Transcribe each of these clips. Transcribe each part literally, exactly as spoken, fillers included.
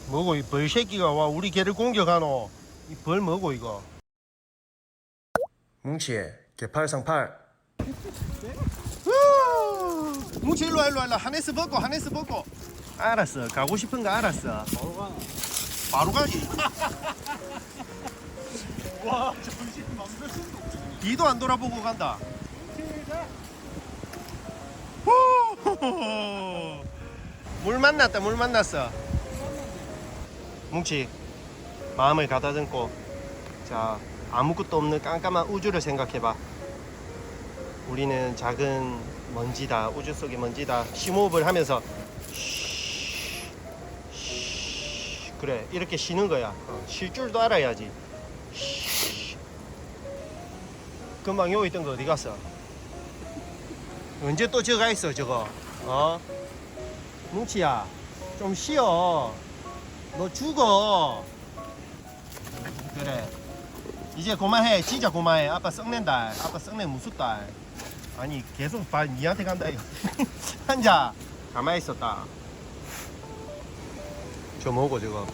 뭐고 이 벌새끼가 와 우리 개를 공격하노. 이 벌 뭐고 이거. 뭉치 개팔상팔. 뭉치 일로와 일로와 일로와. 하네스 벗고 하네스 벗고. 알았어 가고 싶은 거 알았어. 바로 가나? 바로 가지. 와 정신 맘대로 뒤도 안 돌아보고 간다. 물 만났다 물 만났어. 뭉치 마음을 가다듬고 자 아무것도 없는 깜깜한 우주를 생각해봐. 우리는 작은 먼지다. 우주 속의 먼지다. 심호흡을 하면서 쉬, 쉬. 그래 이렇게 쉬는 거야. 어, 쉴 줄도 알아야지. 쉬. 금방 여기 있던 거 어디 갔어? 언제 또 저거 가 있어 저거? 어? 뭉치야 좀 쉬어. 너 죽어. 그래 이제 그만해. 진짜 그만해. 아빠 썩낸다. 아빠 썩내 무섭다. 아니 계속 발 니한테 간다 이거. 앉아. 가만히 있었다. 저 뭐고 저거.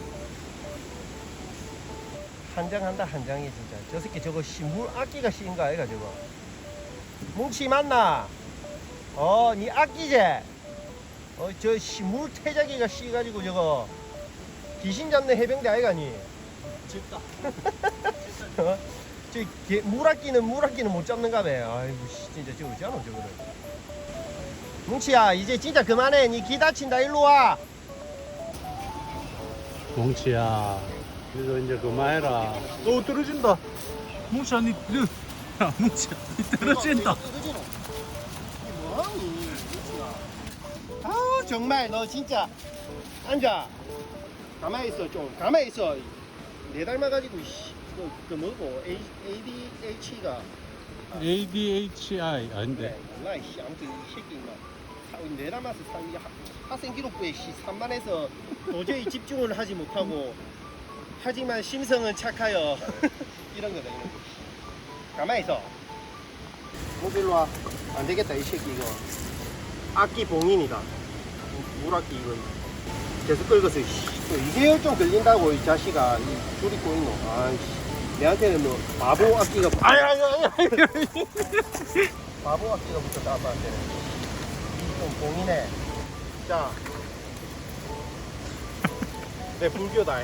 한장한다 한장이 진짜. 저 새끼 저거 신물 악기가 씌인 거 아이가 저거. 뭉치 맞나? 어, 니 악기제? 어, 저 신물 태자기가 씌가지고 저거 귀신 잡는 해병대 아이가 니? 집다. 어? 저 개, 물악기는 물악기는 못 잡는가 봐. 아이고 씨, 진짜 저거 어쩌노 저거를. 뭉치야 이제 진짜 그만해. 니 기 다친다. 일로 와. 뭉치야 그래서 이제 그만해라. 어 떨어진다. 뭉치야 니 그, 야 뭉치야 니 떨어진다. 뭐하니 뭉치야. 아 정말 너 진짜. 앉아. 가만히 있어 좀. 가만히 있어. 내 닮아가지고 씨. 그, 그 뭐고 A, 에이디에이치가 에이 디 에이치 아이 그래 아닌데. 몰라 씨 아무튼 이 새끼 막 내 닮아서 이 학생 기록부에 씨 산만해서 도저히 집중을 하지 못하고 하지만 심성은 착하여 이런 거다 이런 거. 가만히 있어. 뭐 일로 와. 안 되겠다 이 새끼 이거. 악기 봉인이다. 물악기 이건 계속 긁어서 이게 열좀 걸린다고 이 자식아. 이 줄이 꼬이노. 아이씨 내한테는 뭐 바보 악기가 아야야야 바보 악기가 붙었다 아빠한테는. 좀 봉인해. 자, 내 불교다.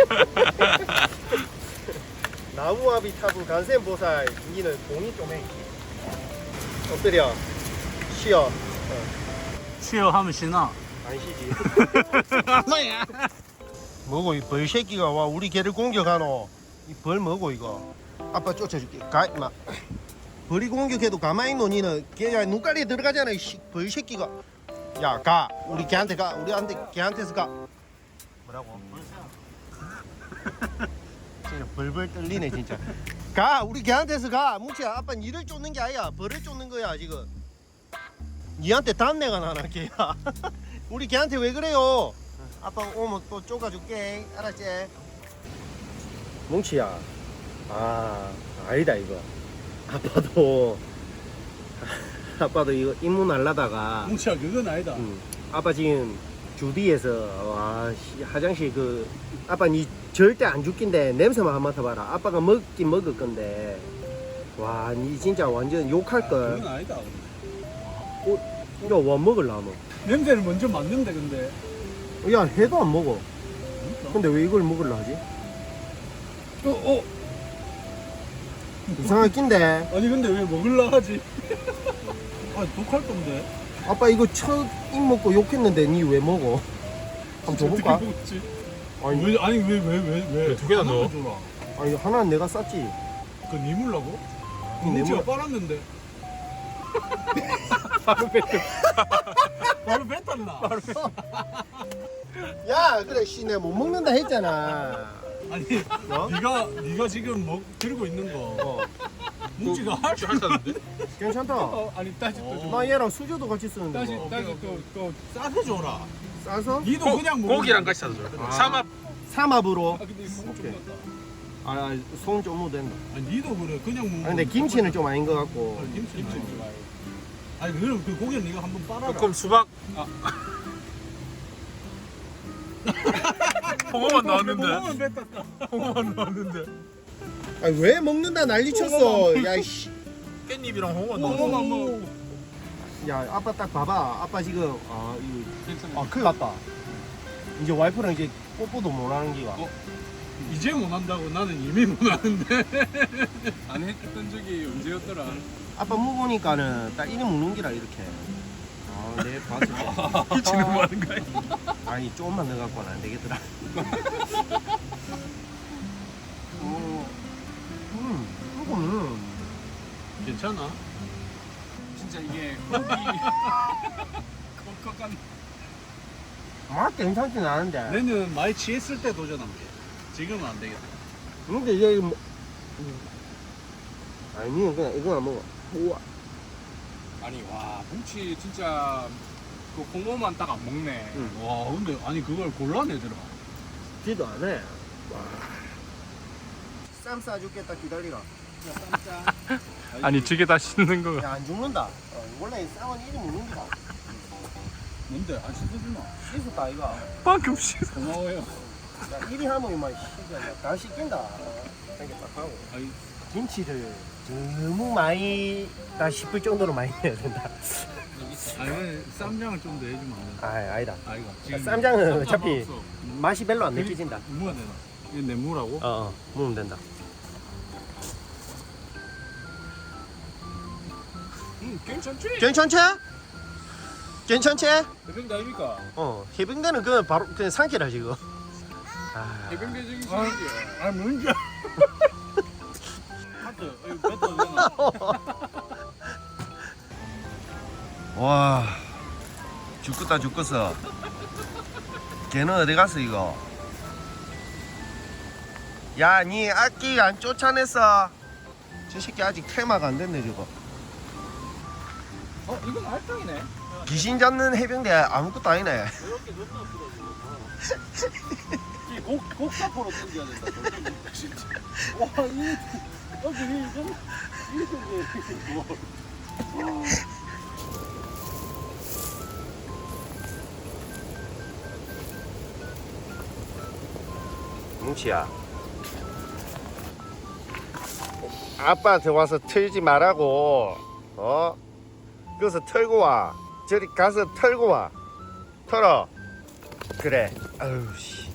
나무아비타불 간센보살 니는 봉인 좀 해. 엎드려 쉬어. 어. 쉬어 하면 쉬나? 안 쉬지. 뭐고 이 벌새끼가 와 우리 개를 공격하노. 이 벌 뭐고 이거. 아빠 쫓아줄게. 가 임마. 벌이 공격해도 가만히 있노 니는. 걔야 눈깔이 들어가잖아 이 벌새끼가. 야 가. 우리 걔한테 가. 우리한테 걔한테서 가. 뭐라고? 진짜 벌벌 떨리네 진짜. 가. 우리 걔한테서 가. 뭉치야 아빠 니를 쫓는 게 아니야. 벌을 쫓는 거야 지금. 니한테 단내가 나나 걔야. 우리 걔한테 왜 그래요? 아빠 오면 또 쫓아줄게. 알았지? 뭉치야. 아 아니다 이거. 아빠도 아빠도 이거 입문 날라다가 뭉치야 그건 아니다. 음, 아빠 지금 주디에서 와 씨, 화장실 그 아빠 니 절대 안 죽긴데 냄새만 한번 맡아봐라. 아빠가 먹긴 먹을 건데 와 니 진짜 완전 욕할걸. 그건 아니다. 어, 이거 와 먹을라면 냄새를 먼저 맡는데 근데. 야 해도 안 먹어. 근데 왜 이걸 먹을라 하지? 어 어. 이상할 낀데. 아니 근데 왜 먹을라 하지? 아 독할 건데. 아빠 이거 첫 입 먹고 욕했는데 니 왜 먹어? 한번 줘볼까? 어떻게 먹었지? 아니, 왜 아니 왜 왜 왜 왜? 두 개나 넣어? 줘라. 아니 하나는 내가 쌌지. 그 니물라고? 이 뭉치가 뇌물- 빨았는데. 바로 뺐어. 바로 뱉었나? 야 그래 씨 내가 못 먹는다 했잖아. 아니 어? 네가 네가 지금 먹 들고 있는 거 어 뭉치가 할 줄. 하셨는데? 괜찮다. 어, 아니 다시 또 줘. 나 얘랑 수저도 같이 쓰는데 다시 뭐. 다시 또또 싸서 줘라. 싸서 니도 고, 그냥 먹어. 고기랑 같이 사줘. 아. 삼합. 삼합으로. 아 근데 이거 오케이. 좀 같다. 아손좀 묻었나. 아니 니도 그래 그냥 먹는. 아 근데 김치는 좀 아닌 것 같고. 어, 김치는 김치 아니 그럼 그 고기는 네가 한번 빨아라. 그럼 수박. 홍어만 나왔는데. 홍어만 나왔는데. 아니 왜 먹는다 난리 쳤어. 야이씨. 깻잎이랑 홍어 홍어만 넣었어. 먹어. 야 아빠 딱 봐봐. 아빠 지금 아 이거 괜찮아. 아 큰일 났다. 이제 와이프랑 이제 뽀뽀도 못 하는 기가. 어? 이제 못 한다고 나는 이미 못 하는데. 안 했던 적이 언제였더라? 아빠 먹으니까는 딱 이래 먹는 기라 이렇게. 아내 봤어. 미치는 거 하는 거야. 아니 조금만 더 갖고는 안 되겠더라. 어, 음, 이거는 괜찮아. 진짜 이게 고기 컥컥한. 맛 괜찮진 않은데. 내는 많이 취했을 때 도전한 게. 지금은 안 되겠다. 근데 이게 뭐, 음. 아니 그냥 이거 안 먹어. 우와. 아니 와 뭉치 진짜 그 홍어만 딱 안 먹네. 응. 와 근데 아니 그걸 골라내더라. 지도 안 해. 와. 쌈 싸줄겠다 기다리라. 쌈장. 아니 저게 다 씻는 거가. 야 안 죽는다. 어, 원래 쌈은 이리 먹는 기다. 뭔데? 안 씻어주나? 씻었다 이거. 방금 씻어. 고마워요. 야 이리 하면 이만 씻어. 다 씻긴다. 이렇게 딱 하고. 아이, 김치를 너무 많이 다 싶을 정도로 많이 해야 된다. 아니 쌈장을 좀 더 해주면 안 돼. 아 아니다. 아이가 쌈장은 어차피 없어. 맛이 별로 안 느껴진다. 뭐가 되나? 이게 내무라고? 어, 어 먹으면 된다. 음, 괜찮지? 괜찮지? 괜찮지? 해병대 아닙니까? 어 해병대는 그 바로 그냥 상쾌라 지금. 아, 해병대 저기 아. 시기. 아 뭔지. 하트, 이거 뱉어도 되나? 와 죽겠다 죽겠어. 걔는 어디 갔어 이거? 야 니 악기 안 쫓아냈어? 저 새끼 아직 테마가 안 됐네 저거. 어, 이건 알탕이네. 귀신 잡는 해병대 아무것도 아니네. 이 곡, 곡사포로 던져야 된다. 진짜. 와, 이, 여기, 이건, 이게, 뭐. 뭉치야 아빠한테 와서 틀지 말라고. 어? 거기서 털고 와. 저리 가서 털고 와. 털어. 그래. 아유 씨.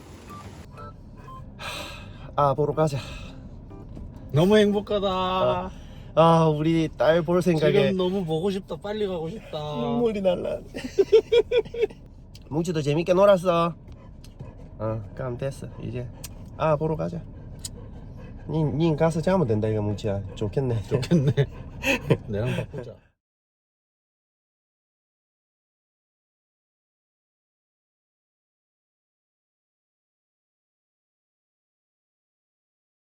아 보러 가자. 너무 행복하다. 아 우리 딸 볼 생각에 지금 너무 보고 싶다. 빨리 가고 싶다. 눈물이 날라. 뭉치도 재밌게 놀았어. 어 그럼 됐어 이제. 아 보러 가자. 니, 니 가서 자면 된다 이거 뭉치야. 좋겠네. 좋겠네. 내랑 바꾸자.